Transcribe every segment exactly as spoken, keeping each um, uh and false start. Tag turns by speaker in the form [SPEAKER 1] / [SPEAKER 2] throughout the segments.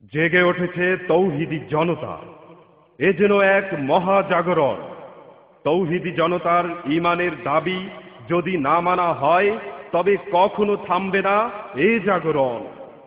[SPEAKER 1] জেগে উঠেছে তৌহিদি জনতা। এ যেন এক মহাজাগরণ। তৌহিদি জনতার ঈমানের দাবি যদি না মানা হয় তবে কখনো থামবে না এ জাগরণ।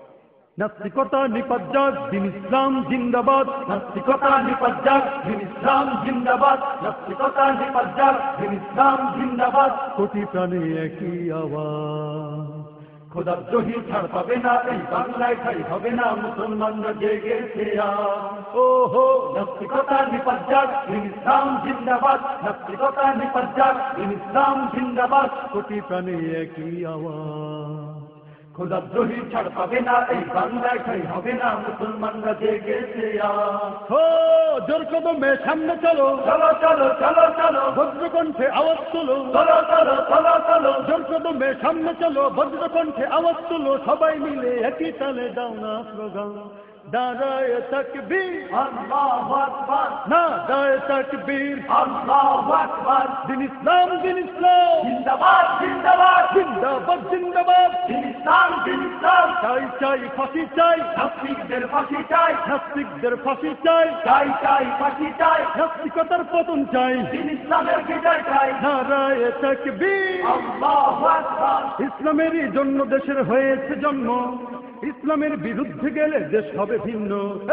[SPEAKER 2] নাস্তিকতা নিপাত দিন ইসলাম জিন্দাবাদ, নাস্তিকতা নিপাত দিন ইসলাম জিন্দাবাদ, নাস্তিকতা নিপাত দিন ইসলাম জিন্দাবাদ। কোটি প্রাণে একই আওয়াজ, খোদার জহি ছাড় পাবে না এই বাংলায়, ঠাই হবে না মুসলমানরা জেগেছে আজ। ও হো নাস্তিকতা নিপাত দিন ইসলাম জিন্দাবাদ, নাস্তিকতা নিপাত দিন ইসলাম জিন্দাবাদ। কোটি প্রাণে একই আওয়াজ, খোদার দ্রোহী ছাড় পাবে না এই বাংলায়, ঠাই হবে না মুসলমানরা জেগেছে আজ। ও জোর কদমে সামনে চলো, চলো চলো চলো চলো, ভদ্রকণ্ঠে আওয়াজ তুলো, চলো চলো চলো চলো, জোর কদমে সামনে চলো, ভদ্রকণ্ঠে আওয়াজ তুলো, সবাই মিলে একই তালে দাও না স্লোগান, নারায়ে তাকবীর আল্লাহু আকবার, নারায়ে তাকবীর আল্লাহু আকবার। দিন ইসলাম দিন ইসলাম জিন্দাবাদ জিন্দাবাদ জিন্দাবাদ জিন্দাবাদ, দিন ইসলাম দিন ইসলাম। চাই চাই ফাঁসি চাই, নাস্তিকদের ফাঁসি চাই, নাস্তিকদের ফাঁসি চাই, চাই চাই ফাঁসি চাই, নাস্তিকতার পতন চাই, দিন ইসলামের বিজয় চাই, নারায়ে তাকবীর আল্লাহু আকবার। ইসলামেরই জন্য দেশের হয়েছে জন্ম, ইসলামের বিরুদ্ধে গেলে দেশ হবে ভিন্ন।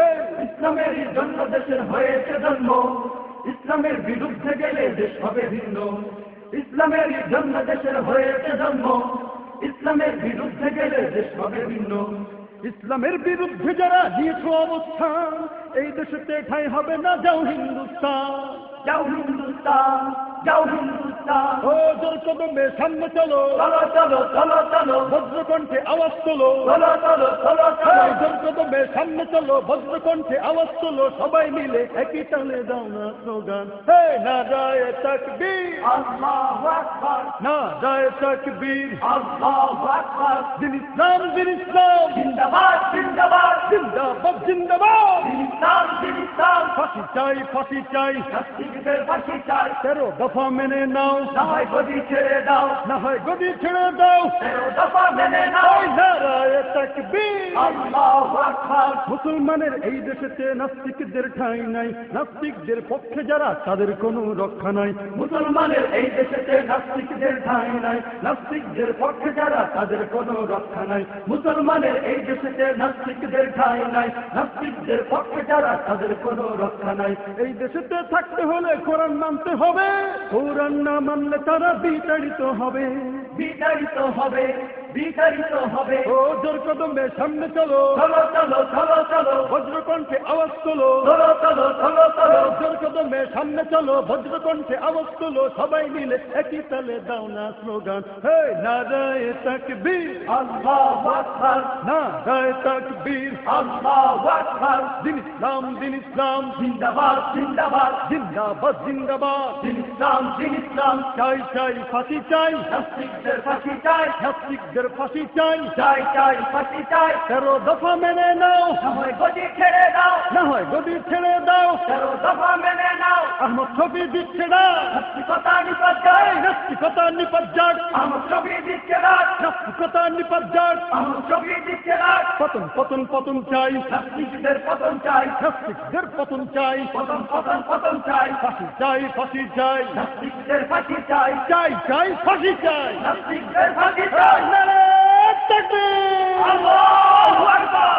[SPEAKER 2] ইসলামের জন্য দেশের হয়েছে জন্ম, ইসলামের বিরুদ্ধে গেলে দেশ হবে ভিন্ন। ইসলামের জন্য দেশের হয়েছে জন্ম, ইসলামের বিরুদ্ধে গেলে দেশ হবে ভিন্ন। ইসলামের বিরুদ্ধে যারা নিয়েছ অবস্থান, এই দেশেতে ঠাই হবে না, যাও হিন্দুস্তান, যাও হিন্দুস্তান, যাও হিন্দুস্তান। ও জোর কদমে সামনে চলো, চলো চলো চলো চলো, ভদ্রকণ্ঠে আওয়াজ তোলো, চলো চলো চলো চলো, জোর কদমে সামনে চলো, ভদ্রকণ্ঠে আওয়াজ তোলো, সবাই মিলে একই তালে দাও না স্লোগান, হে নারায়ে তাকবীর আল্লাহু আকবার, নারায়ে তাকবীর আল্লাহু আকবার। দিন ইসলাম দিন ইসলাম জিন্দাবাদ জিন্দাবাদ জিন্দাবাদ জিন্দাবাদ, দিন ইসলাম দিন ইসলাম। ফাঁসি চাই ফাঁসি চাই, নাস্তিকদের ফাঁসি চাই, তেরো দফা মেনে নাও, না হয় গদি ছেড়ে দাও, না হয় গদি ছেড়ে দাও, তেরো দফা মেনে নাও, নারায়ে তাকবীর আল্লাহু আকবার। মুসলমানের এই দেশেতে নাস্তিকদের ঠাঁই নাই, নাস্তিকদের পক্ষে যারা তাদের কোনো রক্ষা নাই। মুসলমানের এই দেশেতে নাস্তিকদের ঠাঁই নাই, নাস্তিকদের পক্ষে যারা তাদের কোনো রক্ষা নাই। মুসলমানের এই দেশেতে নাস্তিকদের ঠাঁই নাই, নাস্তিকদের পক্ষে যারা তাদের কোনো রক্ষা নাই। এই দেশেতে থাকতে হলে কোরআন মানতে হবে, কোরআন না মানলে তারা বিতাড়িত হবে, বিতাড়িত হবে, বিতাড়িত হবে। ও জোর কদমে সামনে চলো, চলো চলো চলো চলো, ভদ্রকণ্ঠে আওয়াজ তোলো, চলো চলো চলো চলো, জোর কদমে সামনে চলো, ভদ্রকণ্ঠে আওয়াজ তোলো, সবাই মিলে একই তালে দাও না স্লোগান, হে নারায়ে তাকবীর আল্লাহু আকবার, নারায়ে তাকবীর আল্লাহু আকবার। দিন ইসলাম দিন ইসলাম জিন্দাবাদ জিন্দাবাদ জিন্দাবাদ জিন্দাবাদ, দিন ইসলাম দিন ইসলাম। চাই চাই ফাঁসি চাই, নাস্তিকদের ফাঁসি চাই, নাস্তিকদের ফাঁসি চাই, চাই চাই ফাঁসি চাই, তেরো দফা মেনে নাও, না হয় গদি ছেড়ে দাও, না হয় গদি ছেড়ে দাও, তেরো দফা মেনে নাও। আহমদ শফি দিচ্ছে না, নাস্তিকতা নিপাত যাক, নাস্তিকতা নিপাত যাক, আহমদ শফি দিচ্ছে না, নাস্তিকতা নিপাত যাক, আহমদ শফি দিচ্ছে না। পতন পতন পতন চাই, নাস্তিকদের পতন চাই, নাস্তিকদের পতন চাই, পতন পতন পতন চাই, ফাঁসি চাই ফাঁসি চাই, নাস্তিকদের ফাঁসি চাই, চাই চাই ফাঁসি চাই, নাস্তিকদের ফাঁসি চাই, নারায়ে তাকবীর আল্লাহু আকবার।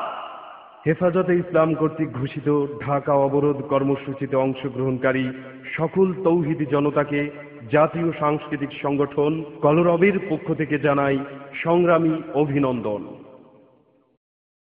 [SPEAKER 1] হেফাজতে ইসলাম কর্তৃক ঘোষিত ঢাকা অবরোধ কর্মসূচিতে অংশগ্রহণকারী সকল তৌহিদি জনতাকে জাতীয় সাংস্কৃতিক সংগঠন কলরবের পক্ষ থেকে জানাই সংগ্রামী অভিনন্দন।